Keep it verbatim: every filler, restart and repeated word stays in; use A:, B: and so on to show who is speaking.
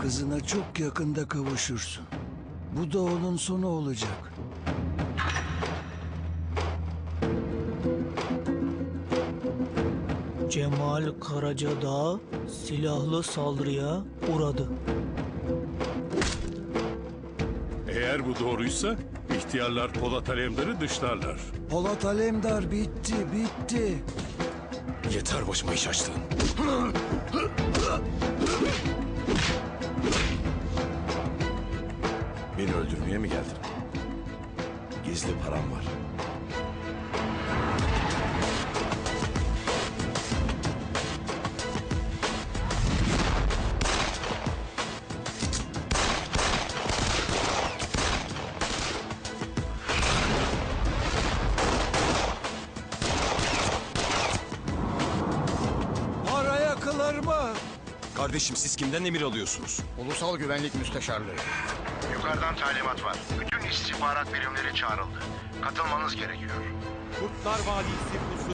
A: kızına çok yakında kavuşursun. Bu da onun sonu olacak.
B: Cemal Karacadağ silahlı saldırıya uğradı.
C: Eğer bu doğruysa ihtiyarlar Polat Alemdar'ı dışlarlar.
A: Polat Alemdar bitti, bitti.
D: Yeter başıma iş açtın. Beni öldürmeye mi geldin? Gizli param var.
A: Paraya kılarma.
D: Kardeşim siz kimden emir alıyorsunuz?
E: Ulusal Güvenlik Müsteşarlığı.
F: Yukarıdan talimat var. Bütün istihbarat birimleri çağrıldı. Katılmanız gerekiyor.
G: Kurtlar Vadisi